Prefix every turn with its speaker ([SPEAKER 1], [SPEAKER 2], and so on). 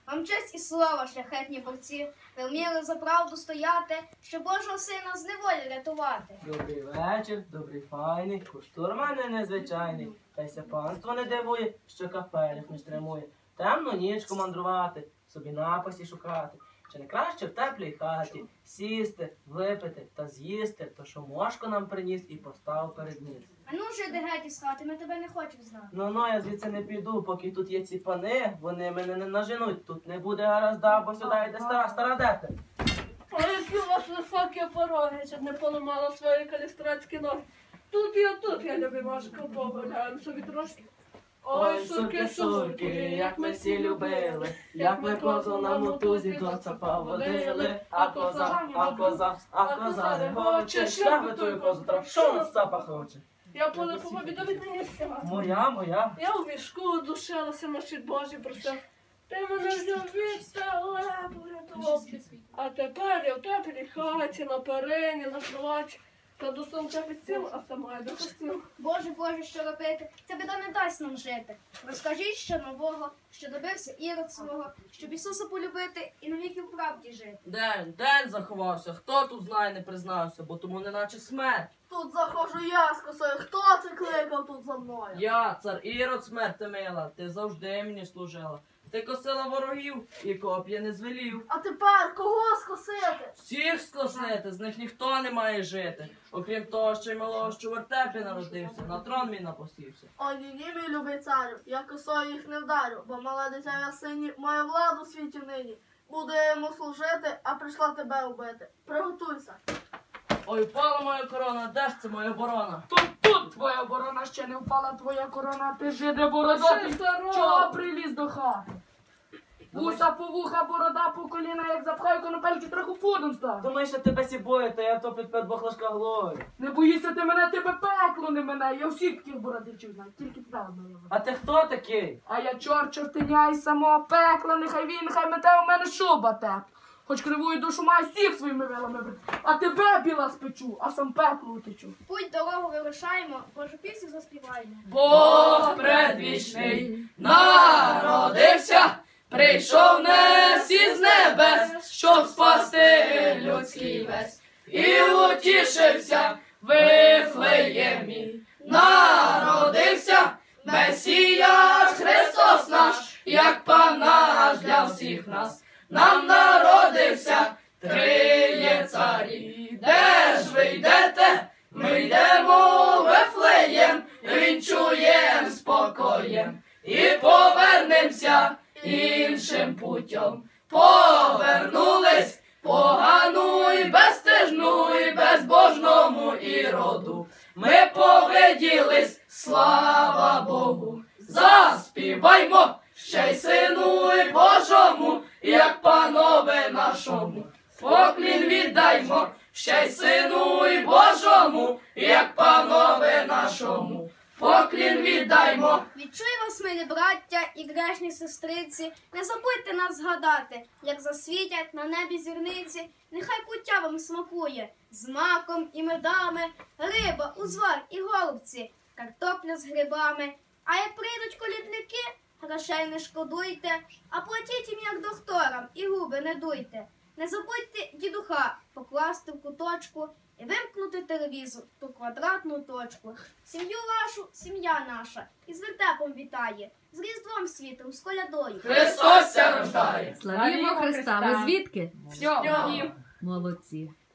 [SPEAKER 1] Вам честь і слава, шляхетні борці, ви вміли за правду стояти, щоб Божого сина з неволі рятувати.
[SPEAKER 2] Добрий вечір, добрий файний, куштур мене незвичайний. Та й ся панство не дивує, що капелях не стримує. Темну нічку мандрувати, собі напасі шукати. Чи не краще в теплій хаті сісти, випити та з'їсти, то що мошко нам приніс і постав перед ніс.
[SPEAKER 1] А ну ж іди геть із хати, ми тебе не хочемо знати.
[SPEAKER 2] Ну, я звідси не піду, поки тут є ці пани, вони мене не наженуть. Тут не буде гаразда, бо сюди йде стара дете.
[SPEAKER 3] Ой, які у вас високі пороги, щоб не поламала свої калістратські ноги. Тут я любимашка, погуляємо собі трошки.
[SPEAKER 2] Ой, сурки, як ми всі любили, як ми козу на мотузі до цапа водили, а коза не хоче, шлях би тую козу трав, що на цапа хоче?
[SPEAKER 3] Я по побідові мені всіма.
[SPEAKER 2] Моя.
[SPEAKER 3] Я у вішку душилася, машить Божий просив. Ти мене взяв від тебе, порятував. А тепер я в теплій хаті, на перині, на кроваті. Та до сонця підсіл, а сама йду постіл.
[SPEAKER 1] Боже, що робити? Ця біда не дасть нам жити. Розкажіть ще нового, що добився Ірод свого, щоб Ісуса полюбити і навіки в правді жити.
[SPEAKER 4] День заховався, хто тут знає, не признався, бо тому неначе смерть.
[SPEAKER 3] Тут заходжу я з косою, хто це кликав тут за мною?
[SPEAKER 4] Я, цар Ірод, смерти мила, ти завжди мені служила. Ти косила ворогів і коп'я не звелів.
[SPEAKER 3] А тепер кого скосити?
[SPEAKER 4] Всіх скосити, з них ніхто не має жити. Окрім того, що й малого, що в вертепі народився, на трон мій напосівся.
[SPEAKER 3] Ой, ні, мій любий царю, я косою їх не вдарю, бо мале дитя я сині має владу в світі нині. Буду я йому служити, а прийшла тебе убити. Приготуйся.
[SPEAKER 4] Ой, впала моя корона, де ж це моя оборона?
[SPEAKER 5] Тут твоя оборона ще не впала, твоя корона, ти жиде бородатий, чого приліз до хати? Вуса по вуха, борода по коліна, як запхаю конопельки, трохи пудом став.
[SPEAKER 2] Думаєш, що тебе сі бою, то я топить під бахлашка глорі.
[SPEAKER 5] Не боїшся ти мене, тебе пекло не мене, я всіх таких бородичів знаю, тільки тебе одного.
[SPEAKER 2] А ти хто такий?
[SPEAKER 5] А я чорт чортиня із самого пекла, нехай він, нехай мете у мене шуба теп. Хоч кривую душу маю всіх своїми вилами брати, а тебе біла спечу, а сам пекло утечу.
[SPEAKER 1] Путь дорогу вирушаємо, Божу пісню заспіваємо.
[SPEAKER 4] Бог предвічний народився, прийшов нес із небес, щоб спасти людський весь. І утішився в Вифлеємі, народився Месія Христос наш, як Пан наш для всіх нас. Нам народився Триє царі. Де ж ви йдете? Ми йдемо в Вифлеєм, вінчуєм спокоєм і повернемося іншим путем. Повернулись погану і безстежну і безбожному Іроду. Ми повиділись, слава Богу, заспіваймо ще й Сину і Божому, як Панове нашому. Поклін віддаймо ще й Сину і Божому, як Панове нашому. Поклін віддаймо.
[SPEAKER 1] Відчуй вас, милі браття і грешні сестриці, не забудьте нас згадати, як засвітять на небі зірниці, нехай пуття вам смакує, з маком і медами, риба, узвар і голубці, картопля з грибами. А як прийдуть колідники, грошей не шкодуйте, а платіть їм як докторам і губи не дуйте. Не забудьте дідуха покласти в куточку і вимкнути телевізор, ту квадратну точку. Сім'ю вашу, сім'я наша, із вертепом вітає, з Різдвом світом, з колядою.
[SPEAKER 4] Христос ся рождає.
[SPEAKER 6] Славімо Христа. Ви звідки?
[SPEAKER 3] Сьогодні.
[SPEAKER 6] Молодці.